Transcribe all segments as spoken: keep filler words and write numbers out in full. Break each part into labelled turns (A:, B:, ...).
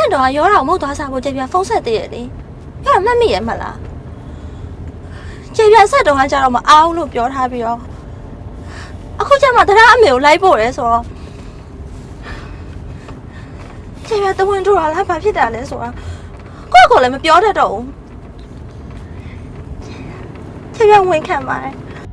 A: ဆက်တော့ရောတာမဟုတ်သွားစားဖို့ကျေပြဖုန်းဆက်သေးရဲ့လေရမှတ်မိရဲ့မလားကျေပြဆက်တော့ကကြတော့မအောင်လို့ပြောထားပြီးတော့အခုကျမှတရားအမေကိုလိုက်ဖို့ရဲဆိုတော့ကျေပြတဝင်းထူလာလားဘာဖြစ်တာလဲဆိုတော့ကိုယ့်ကိုယ်လည်းမပြောတတ်တော့ဘူးကျေပြဝင်ခံပါတယ်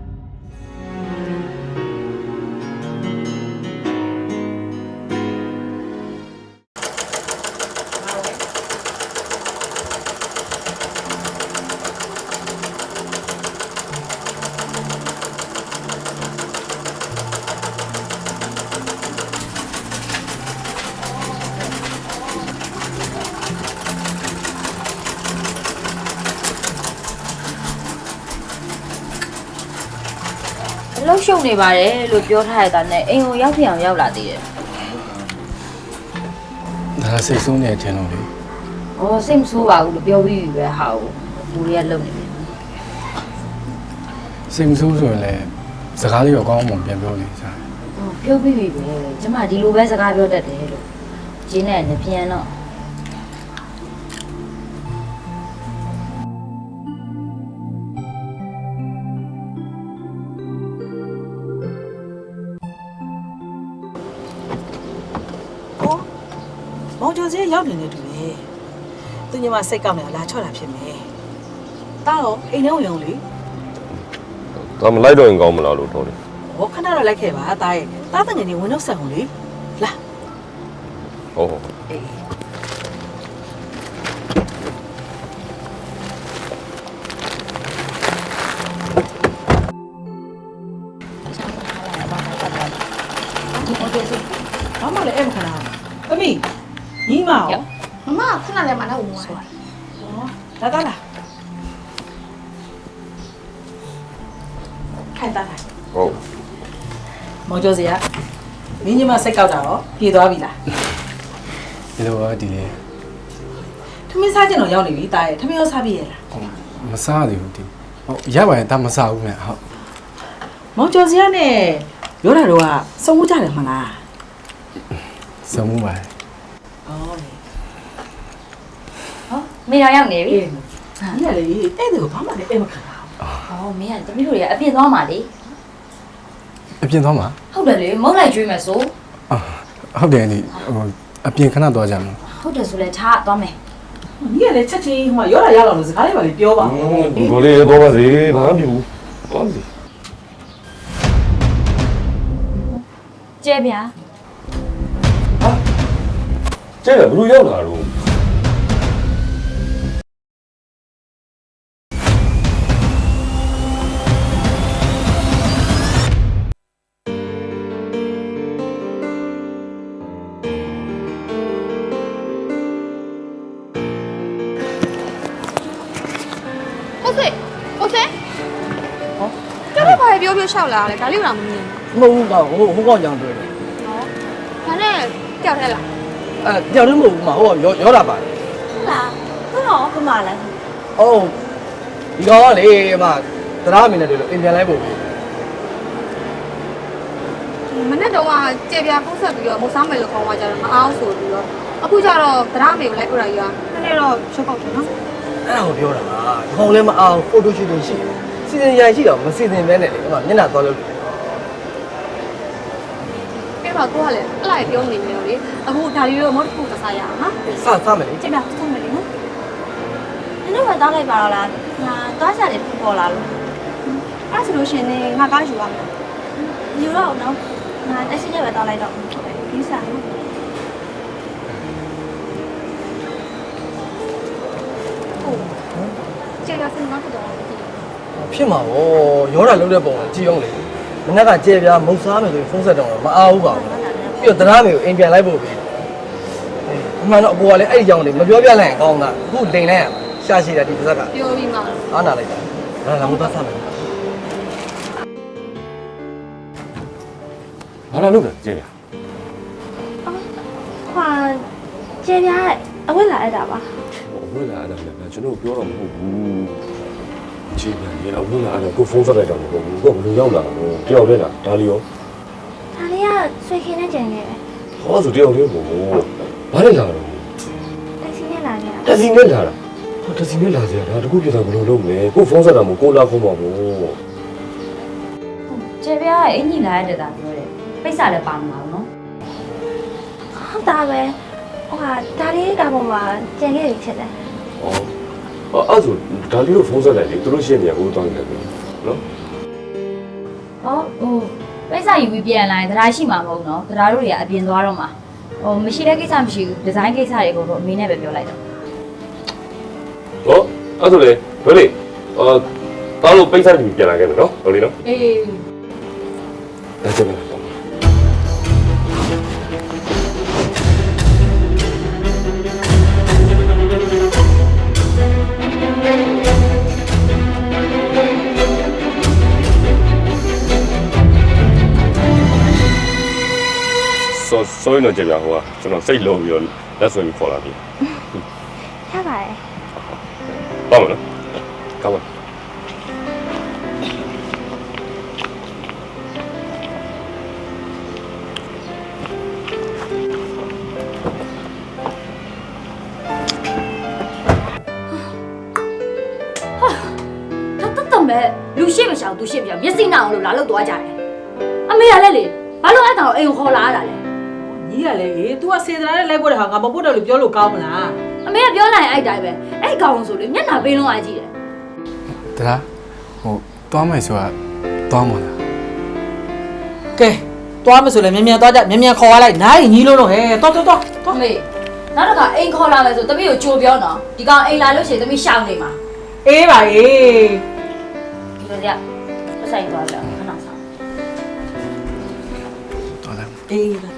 B: လှုပ်ရှုပ်နေပါတယ်လို့ပြောထားရတာနဲ့အိမ်ကိုရောက်ပြအောင်ရောက်လာသေးတယ်
C: ဒါစိတ်ဆိုးနေတယ်လို့လေ
B: ။အော်စိတ်မဆိုးပါဘူးလို့ပြောပြီးပြီပဲဟာကိုဘူရီကလုံနေတယ်
C: စိတ်မဆိုးဆိုရင်လည်းစကားလေးတော့ကောင်းအောင်ပြန်ပြောနေစား
B: ။အော်ပြောပြီးပြီပဲကျမဒီလိုပဲစကားပြောတတ်တယ်လို့ကျင်းနဲ့နဲ့ပြန်တော့
D: မောင်ကျော်စဲရောက်နေတယ်တူတယ်သူညီမစိတ်ကောက်နေတာလာချော့တာဖြစ်မယ်တားတော့အိမ်ထဲဝင်အောင်လေ
E: ဒါမလိုက်တော့ရင်ကောင်းမလားလို့ထော်တယ်
D: ဟောခဏတော့လိုက်ခဲ့ပါတားရဲ့တားတငယ်နေဝင်တော့ဆက်အောင်လေလာ
E: ဟုတ်ဟုတ်
D: အေးဘာမှလည်းအဲ့မခဏအမေညီမရော
A: မမခဏလည်းမနဲ့ဝင်သွား
D: တယ်ဟောလာတာလားခိုင်တာလား
E: ဟုတ်
D: မောင်ကျော်စီကမင်းညီမစိတ်ကောက်တာရောပြေသွားပြီလား
C: ဒီလိုပါဒီလေ
D: ထမင်းစားကျင်တော့ရောက်နေပြီတာရဲ့ထမင်းရောစားပြီရဲ့လား
C: မစားသေးဘူးဒီဟုတ်ရပါရင်ဒါမစားဘူးနဲ့ဟုတ်
D: မောင်ကျော်စီကနဲ့ရောတာတော့ကစုံမှုကြတယ်မလား
C: စုံမှုပါ
D: ဟော
B: မေတော်ရောက်နေပြီ
D: ဟာညလေအဲ့ဒါကိုဘာမှလည်းအဲ့မခံတာ
B: အော်မင်းကတမီးတို့တွေကအပြင်းသွားမှာလေ
C: အပြင်သွားမှာ
B: ဟုတ်တယ်လေမုန်းလိုက်ကျွေးမယ်ဆို
C: ဟုတ်တယ်ဒီဟိုအပြင်ခဏသွားကြမှာ
B: ဟုတ်တယ်ဆိုလဲထားသွားမယ်
D: ညီကလည်းချက်ချင်းဟိုရောတာရအောင်လို့စကားလေးပါလေပြောပါ
E: ဒီကိုလေးတော့ပါစေဘာမှမဖြစ်ဘူးသွားစီ
B: ကျဲဗျာ
E: ဟာကျဲဘယ်လိုရောက်လာတော့
A: ပြောပြောလျှောက်လာတယ်ဒါလေးကတော့မမြင်
F: မဟုတ်ဘူးကောင်ဟိုဟိုကောင်ကြောင်တွေ့တယ်
A: ဟောဒါနဲ့ကြောက်ထဲလား
F: အဲကြောက်တယ်မဟုတ်ဘူးမဟိုကရောရောတာပါတယ်
A: ဟုတ်လားဘယ်တော့ဘယ်မှာလဲ
F: အော်ဒီကောင်ကလေအမတရားမင်းနဲ့တွေ့လို့အင်ပြန်လိုက်ဖို့
A: မနေ့တော့ကကြေပြပုတ်ဆက်ပြီးတော့မစားမယ်လို့ခေါ်သွားကြတော့မအောင်ဆိုပြီးတော့အခုကျတော့တရားမေကိုလိုက်ပြတာကြီးကနည်းနည်းတော့ရှုပ်ပေါက်တယ်နော်
F: အဲ့ဒါကိုပြောတာပါဒီကောင်လည်းမအောင်ဖိုတိုရှူတင်ရှိစီစဉ်ရန်ရှိတော့မစီစဉ်ပဲနဲ့လေအမမျက်နှာသွားလို့
A: ကဲပါကိုကလည်းအလိုက်ပြောနေနေတော့လေအခုဒါလေးတော့မဟုတ်တစ်ခုသစားရအောင်နော်
F: စစမယ်လေ
A: ကြေပြဆက်မယ်လေနော်နင်တို့ကတောင်းလိုက်ပါတော့လားငါတောင်းချတယ်ဖြစ်ပေါ်လာလို့အဲ့ဆိုလို့ရှင်နေငါကားယူရမယ်ယူတော့နော်ငါတက်ရှိရပဲတောင်းလိုက်တော့ဒီစားနော်ကြေပြစင်တော့တော့
F: ဖြစ်မှာဗောရောတာလုံးတဲ့ပုံကကြည့်အောင်လေမနေ့ကကြဲပြားမုတ်စားမယ်ဆိုရင်ဖုန်းဆက်တော့မအားဘူးပါဘူးပြီးတော့တရားမေကိုအိမ်ပြန်လိုက်ဖို့ပဲအမှန်တော့အပေါ်ကလည်းအဲ့ဒီကြောင်လေးမပြောပြလိုက်ရင်ကောင်းတာအခုလိန်လိုက်ရရှာရှိတာဒီတစ်စက်က
A: ပြောပြီးမှ
F: အားနာလိုက်တာဒါလာမသားစားမယ်
E: ဘာလာလို့လဲကြည့်ရ
A: ဟာကြေပြားအဝတ်လာရတာပါ
E: ဝင်းလာတယ်ဗျာကျွန်တော်ပြောတော့မဟုတ်ဘူးကြည့်ပြန်ရအဝင်းလာတယ်ကိုဖုန်းဆက်လိုက်တော့မဟုတ်ဘူးကိုဘယ်လိုရောက်လာတော့တယောက်တည်းလားဒါလီရော
A: ဒါလေးကဆွေခင်းနဲ့ကြံနေတယ်
E: ဟောဆိုတယောက်တည်းပေါ့ဘာလဲလာတော့တစီနဲ့လာတာဟာတစီနဲ့လာစရာဒါတခုပြတာဘယ်လိုလုပ်မလဲကိုဖုန်းဆက်တာမို့ကိုလာခေါ်မှာပေါ့
B: ကျေပြားရဲ့အင်ကြီးလာရတဲ့တာပြောတယ်ပိတ်စာလည်းပါမှာနော်
A: ဟုတ်တာပဲဟိုဟာဒါလေးကပုံမှာကျန်ခဲ့ပြီဖြစ်တယ်
E: ဩအဲ့ဆိုဒါလေးကိုဖုန်းဆက်လိုက်လေသူတို့ရှင်းနေရကိုတောင်းနေတယ်နော်
B: ဟောဟိုပိတ်စာယူပြီးပြန်လာရင်တရားရှိမှာမဟုတ်နော်တရားတို့တွေကအပြင်သွားတော့မှာဟိုမရှိတဲ့ကိစ္စမရှိဘူးဒီဇိုင်းကိစ္စတွေကိုတော့အမေနဲ့ပဲပြောလိုက်တော့
E: ဟောအဲ့ဆိုလေဘယ်လေအာတားလို့ပိတ်ဆက်ပြီးပြန်လာခဲ့မယ်နော်ဟုတ်လေနော်
B: အေး
E: ဒါချက်ပဲ ဆိုဆိုရင်တော့ကြည့်ပြဟိုကကျွန်တော်စိတ်လုံးပြီးတော့လက်ဆွဲပြီးခေါ်လာပြီ
A: ရပါတယ်
E: ပါမလားကောင်းပါ
B: ဒါတတ်တမဲ့လူရှိမရှောင်သူရှိမရှောင်မျက်စိနာအောင်လို့လာလို့သွားကြတယ်အမေကလည်းလေဘာလို့အဲ့ကောင်အိမ်ကိုခေါ်လာရတာလဲ
D: ညီကလည်းအေး तू ကစေတနာနဲ့လိုက်ပို့တဲ့ဟာငါမပို့တော့လို့ပြောလို့ကောင်းမလား
B: အမေကပြောလိုက်ရင်အဲ့တိုင်းပဲအဲ့ကောင်ဆိုလေမျက်နှာပေးလုံးအားကြည့်တယ်
C: တရားဟိုသွားမယ်ဆိုတာသွားမှာလား
D: ကဲသွားမဆိုလဲမြန်မြန်သွားကြမြန်မြန်ခေါ်ရလိုက်နားရင်ညီလုံးလုံးဟဲ့တော်တော်တော်
B: အမေနောက်တစ်ခါအိမ်ခေါ်လာမယ်ဆိုတမီးကိုကြိုပြောနော်ဒီကောင်အိမ်လာလို့ရှိရင်တမီးရှောင်နေမှာ
D: အေးပါအေး
B: ဒီလိုကြပတ်ဆိုင်သွားကြခဏဆောင်
C: သွားတယ်
D: အေးပါ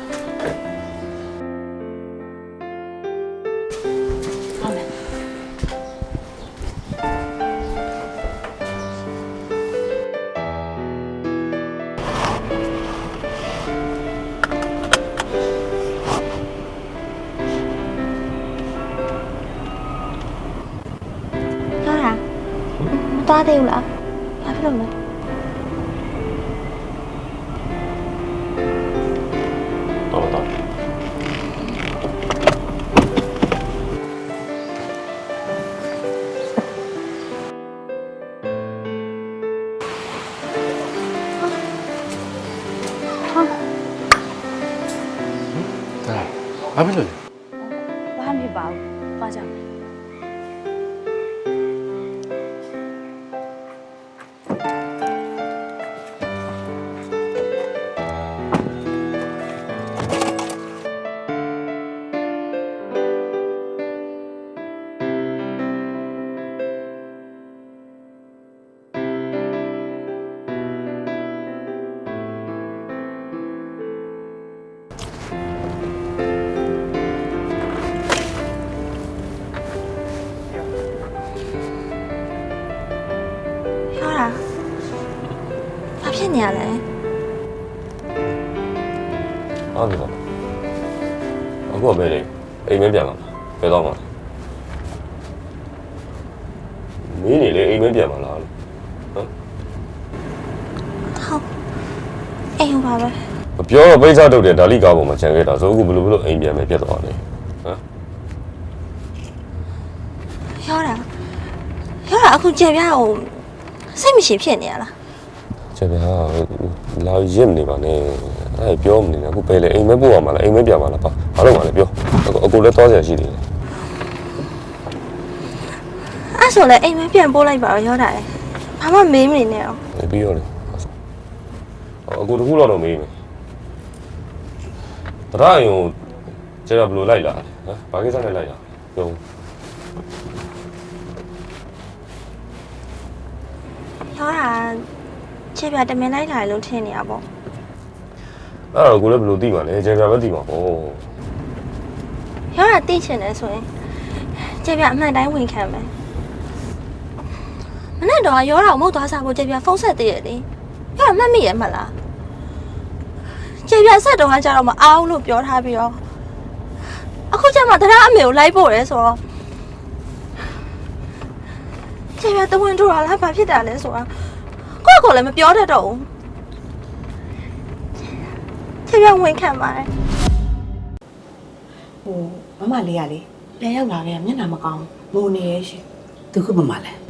B: ဟုတ်မယ်
A: ပြောတာမသွားသေးဘူးလားဘာဖြစ်လို့လဲ
E: တော့တော့
C: တရားဘာဖြစ်လို့လဲ
B: ဘာမှမဖြစ်ပါဘူးသွားကြမယ်
A: ပြောတာဘာဖြစ်နေရလဲ
E: အားပြီတော့အခုကပဲလေအိမ်မပြန်လာဘယ်တော့မှမင်းနေလေအိမ်မပြန်လာလားဟမ်
A: ဟုတ်အိမ်ဟောပါပဲ
E: မပြောတော့ပိတ်စားတုတ်တယ်ဒါလိကားပေါ်မှာခြံခဲ့တာဆိုအခုဘယ်လိုဘယ်လိုအိမ်ပြန်မယ်ပြတ်သွားတယ်ဟမ်
A: ပြောတာပြောတာအခုကျေပြားကိုစိတ်မရှိဖြစ်နေရလား
E: ချက်ဗျာလာရစ်နေပါနဲ့အဲ့ပြောမနေနဲ့အခုပဲလေအိမ်မပို့ရမှာလားအိမ်မပြန်မှာလားပါဘာလို့မှလဲပြောအကူလည်းသွားစရာရှိတယ်
A: အဲ့ဆိုလည်းအိမ်မပြန်ပို့လိုက်ပါတော့ပြောတာလေဘာမှမေးမနေနဲ့အောင်
E: ပြီးရောလေအကူတခုတော့တော့မေးမယ်တရရင်ကိုကျတော့ဘယ်လိုလိုက်လာဟမ်ဘာကိစ္စနဲ့လိုက်လာပြော
A: ပြောတာကျေပြားတမင်လိုက်လာလို့ထင်နေရပေါ့
E: အဲ့တော့ကိုလည်းဘယ်လိုသိမှာလဲကျေပြာပဲသိမှာပေါ့
A: ပြောတာသိချင်တယ်ဆိုရင်ကျေပြားအမှန်တိုင်းဝင်ခံမယ်မနေ့တော့ရောတာကိုမဟုတ်သွားစားဖို့ကျေပြားဖုန်းဆက်သေးရလေပြောတာမှတ်မိရမလားကျေပြားဆက်တော့ကြတော့မအောင်လို့ပြောထားပြီးတော့အခုကျမှတရားအမေကိုလိုက်ပို့ရဲဆိုတော့ကျေပြားတဝင်းထူတာလားဘာဖြစ်တာလဲဆိုတာကိုယ့်ကိုယ်လည်းမပြောတတ်တော့ဘူးကျေပြားဝင်ခံပါတယ်
D: ဟိုမမလေးရလေ
G: ပြန်ရောက်လာခဲ့မျက်နှာမကောင်းငိုနေရဲ့ရှင်
H: သူခုမှမလဲ